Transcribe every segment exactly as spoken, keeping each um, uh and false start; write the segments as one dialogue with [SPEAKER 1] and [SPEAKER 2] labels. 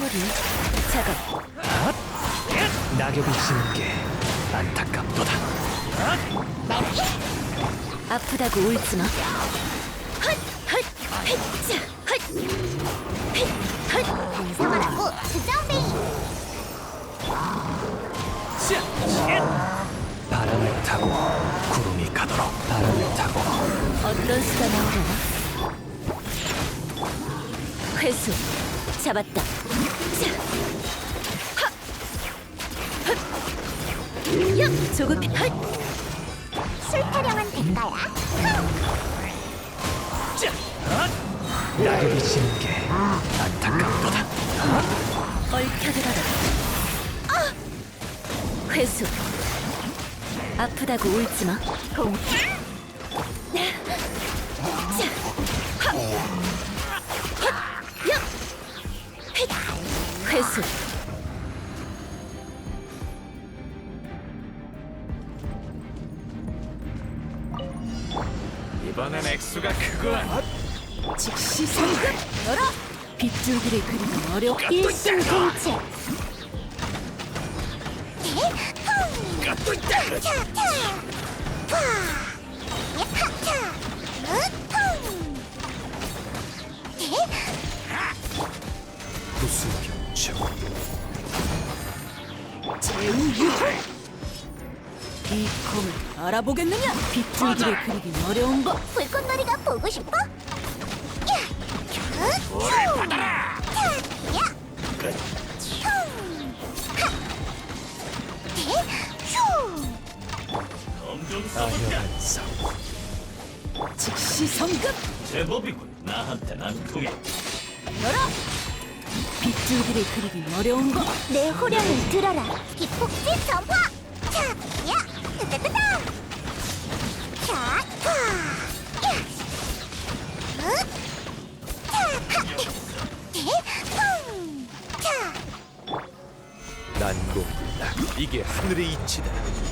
[SPEAKER 1] 소리 작업.
[SPEAKER 2] 낙엽이 지는 게 안타깝도다.
[SPEAKER 1] 아프다고 울지마. 헛! 헛! 헛! 헛! 헛! 헛!
[SPEAKER 3] 방송하라고 주정뱅이.
[SPEAKER 2] 바람을 타고 구름이 가도록. 바람을 타고.
[SPEAKER 1] 어떤 수가 나오려나? 회수 잡았다. 자. 헛! 헛! 야! 조급해. 헛!
[SPEAKER 3] 술 타령한 대가야.
[SPEAKER 2] 낙엽이 지는 게 안타깝도다.
[SPEAKER 1] 얽혀들어라. 아! 회수 아프다고 울지마. 공. 자. 헛! 헛! 야! 헷! 회수
[SPEAKER 4] 이번엔 액수가 크구나.
[SPEAKER 1] 즉시 성급 열어. 빗줄기를 그리기 어려워.
[SPEAKER 3] 일심동체.
[SPEAKER 4] 또 있다.
[SPEAKER 2] 구수병청.
[SPEAKER 1] 제우유호. 이 검을 알아보겠느냐? 빗줄기를 그리기 어려운 법.
[SPEAKER 3] 불꽃놀이가 보고 싶어?
[SPEAKER 4] 오래 받아라.
[SPEAKER 2] 아녀한 상.
[SPEAKER 1] 즉시 성급
[SPEAKER 4] 제법이군. 나한텐 안 통해.
[SPEAKER 1] 열어. 빗줄기를 그리기 어려운 법.
[SPEAKER 3] 내 호령을 들어라. 기폭지 전파. 자, 야, 뜨뜨뜨다. 자, 파. 야. 응? 자, 하. 대, 펑. 자.
[SPEAKER 2] 난공불락. 이게 하늘의 이치다.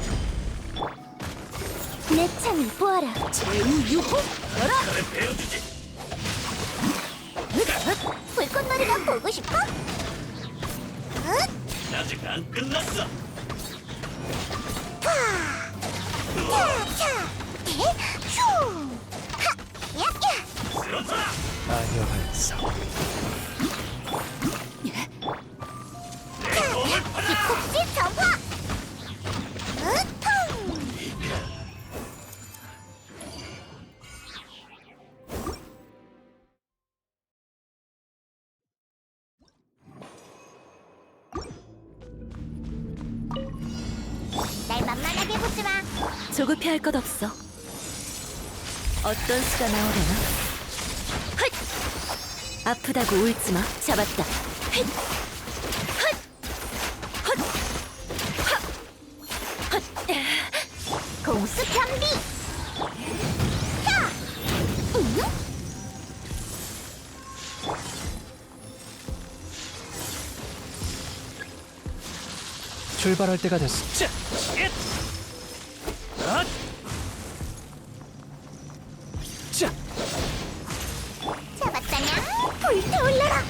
[SPEAKER 3] 내 창을 보아라.
[SPEAKER 1] 제우유호. 열어.
[SPEAKER 4] 그래 배워주지.
[SPEAKER 3] 불꽃놀이가 보고 싶어? 응?
[SPEAKER 4] 아직 안 끝났어.
[SPEAKER 3] 파. 자, 자. 대, 휴. 하. 야, 야.
[SPEAKER 4] 쓰러져라.
[SPEAKER 2] 아녀한 상.
[SPEAKER 4] 내 몸을 받아.
[SPEAKER 3] 기폭지 전파. 응? 펑. 날 만만하게 보지 마.
[SPEAKER 1] 조급해할 것 없어. 어떤 수가 나오려나? 헛! 아프다고 울지마. 잡았다. 헛! 헛! 헛! 헛! 헛!
[SPEAKER 3] 공수 편비. 자. 응?
[SPEAKER 2] 출발할 때가 됐어.
[SPEAKER 4] 자, 잇. 엇. 자,
[SPEAKER 3] 잡았다냐? 불타올라라.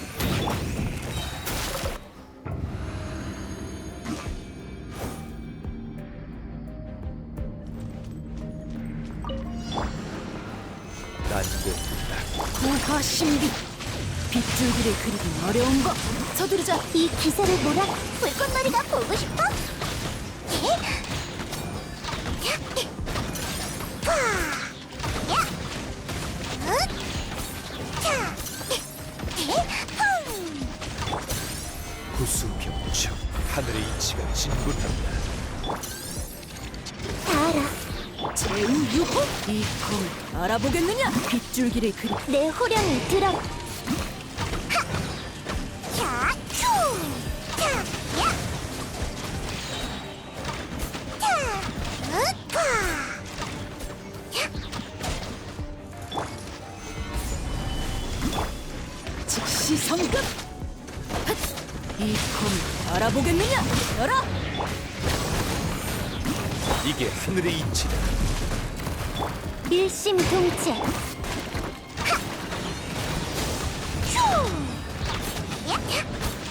[SPEAKER 2] 난공불락.
[SPEAKER 1] 구화신비. 빗줄기를 그리기 어려운 법. 서두르자.
[SPEAKER 3] 이 기세를 몰아. 불꽃놀이가 보고 싶어? 예? 야. 파. 야. 응? 자. 대. 펑.
[SPEAKER 2] 구수병청. 하늘의 이치가 진군한다.
[SPEAKER 3] 다 알아.
[SPEAKER 1] 제우유호. 이 검을 알아보겠느냐? 빗줄기를 그리.
[SPEAKER 3] 내 호령을 들어라. 하. 자, 휴. 자, 야. 자, 응? 파. 야.
[SPEAKER 1] 즉시 성급. 헛! 이 검을 알아보겠느냐? 열어.
[SPEAKER 2] 이게 하늘의 이치다.
[SPEAKER 3] 일심동체. 하. 휴. 야.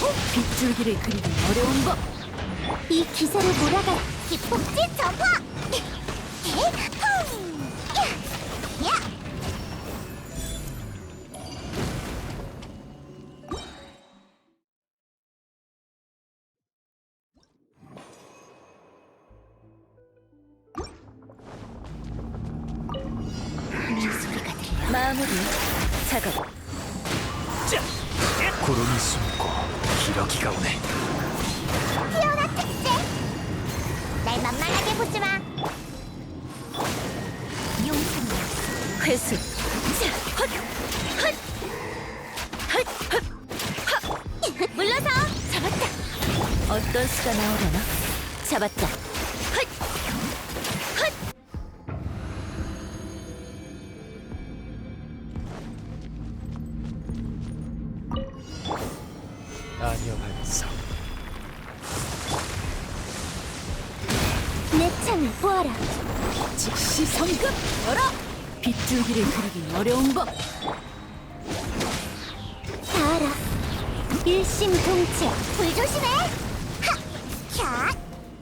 [SPEAKER 1] 빗줄기를 그리기 어려운 법.
[SPEAKER 3] 이 기세를 몰아가. 기폭제 전파. 대흥. 야, 야. 네 소리가 들려.
[SPEAKER 1] 마무리. 작업.
[SPEAKER 4] 자,
[SPEAKER 2] 구름이 숨고 기러기가 오네.
[SPEAKER 3] 피어나 특제. 날 만만하게 보지 마. 용산이야.
[SPEAKER 1] 회수. 자, 헛, 헛, 헛, 헛, 헛.
[SPEAKER 3] 물러서. 잡았다.
[SPEAKER 1] 어떤 수가 나오려나? 잡았다. 헛, 헛.
[SPEAKER 2] 안녕하면서
[SPEAKER 3] 내 창을 보아라.
[SPEAKER 1] 즉시 성급. 열어. 빗줄기를 그리기 어려운 법.
[SPEAKER 3] 다 알아. 일심동체. 불 조심해. 하, 캬.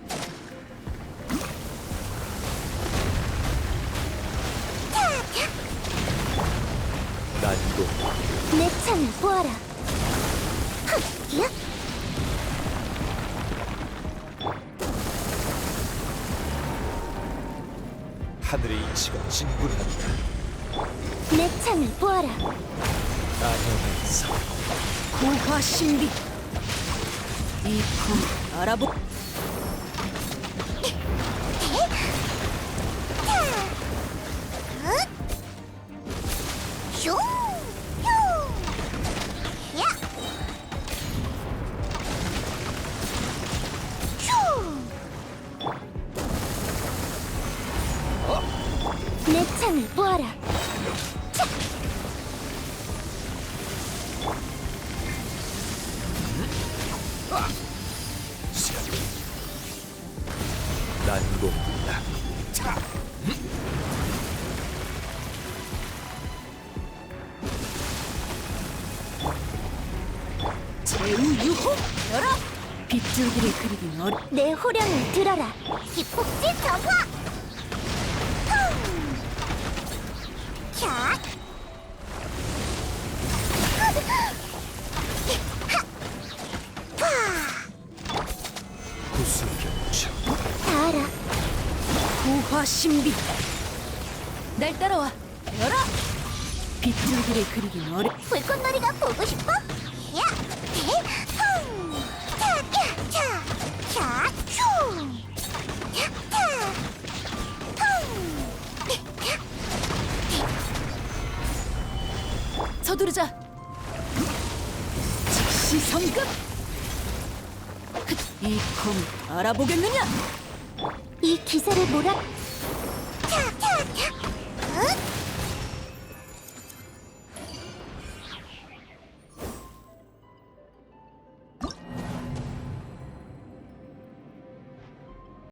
[SPEAKER 2] 난이도
[SPEAKER 3] 내 창을 보아라. 흑, 야.
[SPEAKER 2] 하늘의 이치가 진군한다.
[SPEAKER 3] 내 창을 보아라.
[SPEAKER 2] 안녕하면서
[SPEAKER 1] 고화 신비. 이품 알아보.
[SPEAKER 3] 슝! 휴! 야! 휴! 내 창을 보아라. 차!
[SPEAKER 2] 난공불락.
[SPEAKER 1] 제우유호. 열어. 빗줄기를 그리기 어려.
[SPEAKER 3] 내 호령을 들어라. 기폭제 전화. 흥! 캬!
[SPEAKER 2] 구슬경청
[SPEAKER 3] 다 알아.
[SPEAKER 1] 고화 신비. 날 따라와. 열어. 빗줄기를 그리기 어려.
[SPEAKER 3] 불꽃놀이가 보고 싶어? 야! 흥! 차! 야! 차! 차! 슝! 야! 차! 흥!
[SPEAKER 1] 서두르자. 즉시 성급. 이컴 알아보겠느냐?
[SPEAKER 3] 이 기세를 몰아. 차! 차! 차! 응?